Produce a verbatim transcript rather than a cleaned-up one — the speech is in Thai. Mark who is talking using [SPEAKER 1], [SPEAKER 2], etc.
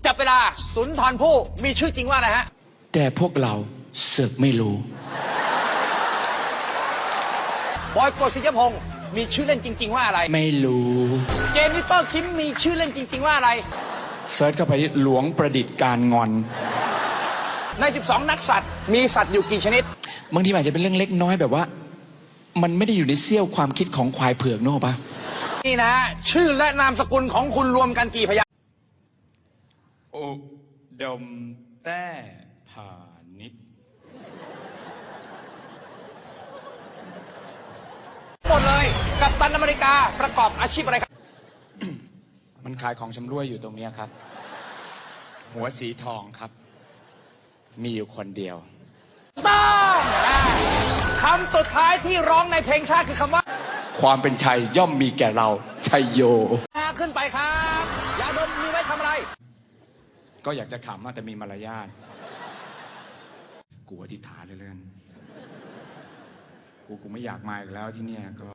[SPEAKER 1] จับเวลาสุนทรภู่มีชื่อจริงว่าอะไรฮะ
[SPEAKER 2] แต่พวกเราเสือกไม่รู้
[SPEAKER 1] บอยโกศิยพงศ์มีชื่อเล่นจริงๆว่าอะไร
[SPEAKER 2] ไม่รู้
[SPEAKER 1] เจนนิเฟอร์คิมมีชื่อเล่นจริงๆว่าอะไร
[SPEAKER 2] เซิร์ชเข้าไปหลวงประดิษฐ์การงอน
[SPEAKER 1] ในสิบสองนักสัตว์มีสัตว์อยู่กี่ชนิด
[SPEAKER 2] บางทีอาจจะเป็นเรื่องเล็กน้อยแบบว่ามันไม่ได้อยู่ในเสี้ยวความคิดของควายเผือกนึกออกปะ
[SPEAKER 1] นี่นะชื่อและนามสกุลของคุณรวมกันกี่พยางค์
[SPEAKER 2] อุดมแต้ผานิช
[SPEAKER 1] หมดเลยกัปตันอเมริกาประกอบอาชีพอะไรครับ
[SPEAKER 2] มันขายของชำร่วยอยู่ตรงนี้ครับหัวสีทองครับมีอยู่คนเดียว
[SPEAKER 1] ต้องคำสุดท้ายที่ร้องในเพลงชาติคือคำว่า
[SPEAKER 2] ความเป็นชัยย่อมมีแก่เราชัยโย
[SPEAKER 1] ขึ้นไปครับยาดมมีไว้ทำอะไร
[SPEAKER 2] ก็อยากจะขำแต่มีมารยาทกูอธิษฐานเรื่อยๆกูกูไม่อยากมาอีกแล้วที่เนี่ยก็